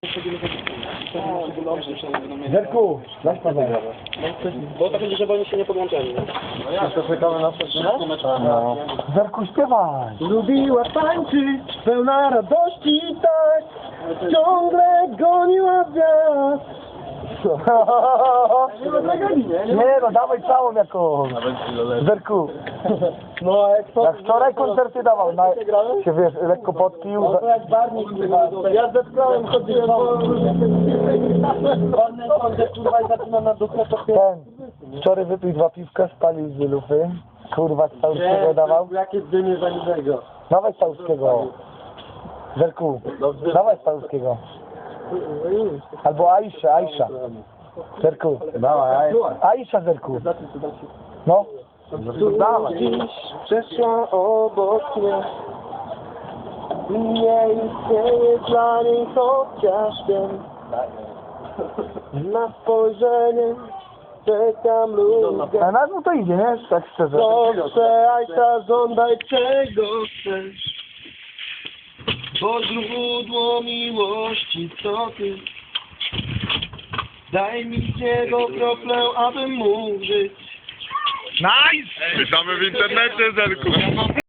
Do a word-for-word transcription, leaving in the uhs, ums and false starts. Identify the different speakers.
Speaker 1: Zerku, dasz pazę.
Speaker 2: Bo tak będzie, żeby oni się nie podłączali.
Speaker 1: No ja to czekamy na przyczynę? No. Zerku, śpiewaj.
Speaker 2: Lubiła tańczyć, pełna radości i tak, ciągle goniła wiatr.
Speaker 1: Nie no, dawaj całą jakąś. Zerku.
Speaker 2: No, jak to...
Speaker 1: Jak wczoraj koncerty dawał, na, się wiesz, lekko podpił.
Speaker 2: No to jak barnik, kurwa. Ja ze szkołem chodziłem po... Wolny koncert, kurwa, i zaczyna na duchę, to
Speaker 1: Ten, wczoraj wypił dwa piwka, spalił z lufy. Kurwa, z Całuskiego dawał.
Speaker 2: Jakie dymy za niczego.
Speaker 1: Dawaj z Całuskiego. Zerku, dawaj z Całuskiego. Albo Aisha, Aisha. Zerku. Dawaj, Aisha, Zerku. No.
Speaker 2: Dawaj. Dziś przeszła obok mnie. Nie istnieje dla niej chociaż ten. Na spojrzenie czekam lubię.
Speaker 1: A na no to idzie, nie? Tak szczerze.
Speaker 2: Proszę, Aisha, żądaj czego chcesz. Bo źródło miłości to ty. Daj mi z niego kroplę, abym mógł żyć.
Speaker 3: Nice! Czytamy w internecie, Zerku.